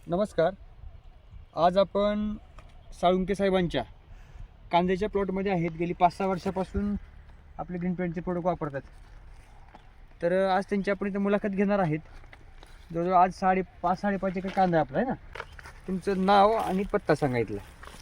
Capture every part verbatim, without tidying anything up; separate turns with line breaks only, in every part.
नमस्कार. आज आपण साळुंके साहेबांच्या कांद्याच्या प्लॉटमध्ये आहेत. गेली पाच सहा वर्षापासून आपले ग्रीन पेंटचे प्रोडक्ट वापरतात. तर आज त्यांची आपण इथं मुलाखत घेणार आहेत. जवळजवळ आज साडे पाच साडेपाच एकर कांदा आपला आहे ना. तुमचं नाव आणि पत्ता सांगायचं.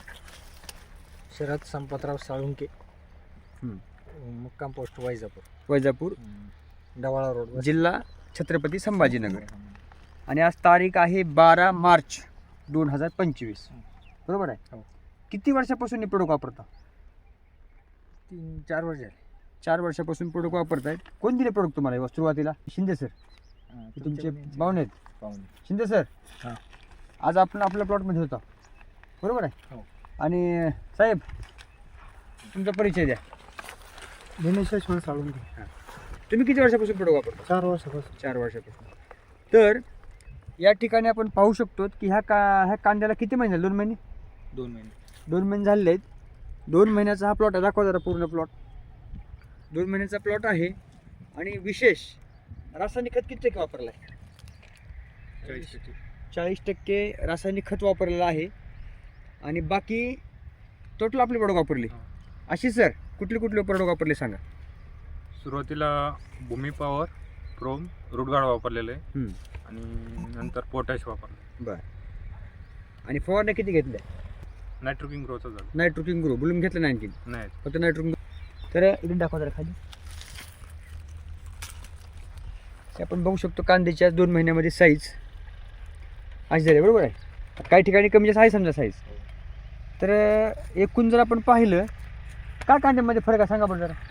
शरद संपतराव साळुंके, मुक्काम पोस्ट वैजापूर,
वैजापूर,
डवाळा रोड,
जिल्हा छत्रपती संभाजीनगर. आणि आज तारीख आहे बारा मार्च दोन हजार पंचवीस. बरोबर आहे.
हो.
किती वर्षापासून हे प्रोडक्ट वापरता?
तीन चार वर्ष झाले.
चार वर्षापासून प्रोडक्ट वापरतायत. कोण दिले प्रोडक्ट तुम्हाला हे सुरुवातीला? शिंदे सर. तुमचे पाहुणे आहेत
पाहुणे
शिंदे सर.
हां.
आज आपण आपल्या प्लॉटमध्ये होता. बरोबर आहे.
हो.
आणि साहेब तुमचा परिचय द्या.
दिनेशेश्वर साळुंके.
तुम्ही किती वर्षापासून प्रोडक्ट वापरता?
चार वर्षापासून.
चार वर्षापासून. तर या ठिकाणी आपण पाहू शकतो की ह्या का ह्या कांद्याला किती महिने झाले? दोन महिने
दोन महिने
दोन महिने झालेले आहेत. दोन महिन्याचा हा प्लॉट आहे. दाखवा जरा पूर्ण प्लॉट. दोन महिन्याचा प्लॉट आहे. आणि विशेष रासायनिक खत किती टक्के वापरलं आहे?
चाळीस टक्के
चाळीस टक्के रासायनिक खत वापरलेलं आहे. आणि बाकी टोटल आपले प्रोडक्ट वापरले. अशी सर कुठले कुठले प्रोडक्ट वापरले सांगा.
सुरुवातीला भूमी पॉवर, प्रोम, रुटगाड वापरलेलं आहे.
हम्म.
आणि नंतर पोटॅश वापरलं.
बरं. आणि फवारण्या किती घेतल्या?
नायट्रोकिंग ग्रोचं झालं
नायट्रोकिंग ग्रो बुलून घेतलं नाही आणखी?
नाही.
फक्त नायट्रोकिंग. तर इकडून दाखवा जरा खाली. हे आपण बघू शकतो कांद्याच्या दोन महिन्यामध्ये साईज अशी झाली. बरोबर आहे. काही ठिकाणी कमी जास्त आहे समजा साईज. तर एकूण जर आपण पाहिलं काय कांद्यामध्ये फरक आहे सांगा बरं जरा.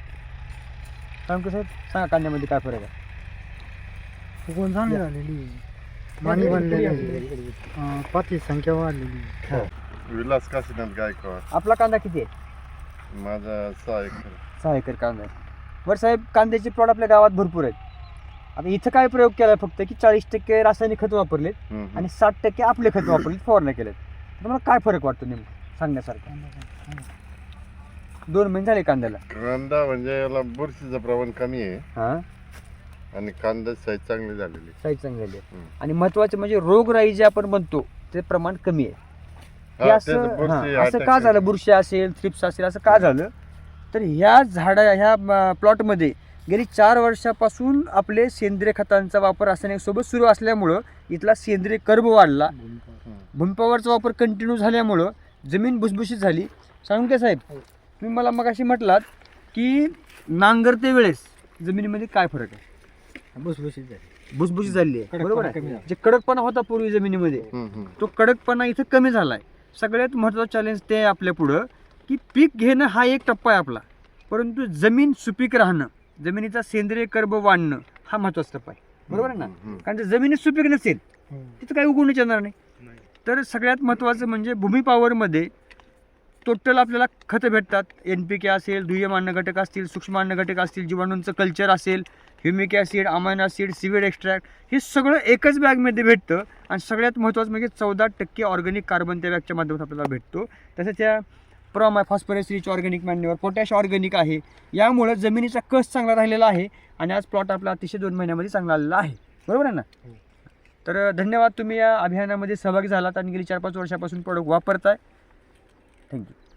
सांग साहेब सांगा कांद्यामध्ये काय फरक आहे?
फुगवून झाली झालेली, मानी बनलेली, पाती संख्या वाढलेली.
विलास काशीनाथ गायकवाड.
आपला कांदा किती आहे?
माझा सहा एकर.
सहा एकर कांदा आहे. बरं साहेब कांद्याचे प्लॉट आपल्या गावात भरपूर आहेत. आता इथं काय प्रयोग केला फक्त की चाळीस टक्के रासायनिक खत वापरलेत
हम्म.
आणि साठ टक्के आपले खत वापरलेत, फवारण्या केल्यात. तुम्हाला काय फरक वाटतो नेमकं सांगण्यासारखं? दोन महिने झाले कांद्याला.
कांदा म्हणजे याला बुरशीचं प्रमाण कमी आहे
हां,
आणि कांदा साईज चांगली झालेली.
साईज चांगली झाली आहे.
हम्म.
आणि महत्वाचं म्हणजे रोगराई जे आपण म्हणतो ते प्रमाण कमी आहे. हे
हा,
असं
तेच बुरशी
हां, असं
attack
का झालं?
आहे.
बुरशी असेल, थ्रिप्स असेल, असं का झालं? तर ह्या झाडा ह्या प्लॉटमध्ये गेली चार वर्षापासून आपले सेंद्रिय खतांचा वापर रासायनिकसोबत सुरू असल्यामुळं इथला सेंद्रिय कर्ब वाढला. भूमिपॉवरचा वापर कंटिन्यू झाल्यामुळं जमीन भुसभुशीत झाली. साळुंके साहेब तुम्ही मला मग अशी म्हटलात की नांगरते वेळेस जमिनीमध्ये काय फरक आहे?
भुसभुशीत झाली,
भुसभुशीत झाली आहे. बरोबर आहे.
कमी झाला.
जे कडकपणा होता पूर्वी जमिनीमध्ये
हम्म, हम्म.
तो कडकपणा इथं कमी झाला आहे. सगळ्यात महत्त्वाचं चॅलेंज ते आहे आपल्या पुढं की पीक घेणं हा एक टप्पा आहे आपला, परंतु जमीन सुपीक राहणं, जमिनीचा सेंद्रिय कर्ब वाढणं हा महत्त्वाचा टप्पा आहे. बरोबर आहे ना.
हम्म, हम्म.
कारण जर जमिनीत सुपीक नसेल
हो.
तिथं काही उगवणच येणार नाही.
नाही.
तर सगळ्यात महत्त्वाचं म्हणजे भूमी पॉवरमध्ये टोटल आपल्याला खतं भेटतात. एन पी के असेल, दुय्यम अन्न घटक असतील, सूक्ष्म अन्न घटक असतील, जीवाणूंचं कल्चर असेल, humic acid, amino acid, seaweed extract, हे सगळं एकच बॅगमध्ये भेटतं. आणि सगळ्यात महत्त्वाचं म्हणजे चौदा टक्के ऑर्गॅनिक कार्बन त्या बॅगच्या माध्यमातून आपल्याला भेटतो. तसंच त्या प्रॉम आहे, phosphorus rich organic manure, potash organic आहे. यामुळं जमिनीचा कस चांगला राहिलेला आहे आणि आज प्लॉट आपला अतिशय दोन महिन्यामध्ये चांगला आलेला आहे. बरोबर आहे ना. तर धन्यवाद, तुम्ही या अभियानामध्ये सहभागी झालात आणि गेली चार पाच वर्षापासून प्रोडक्ट वापरताय. थँक्यू.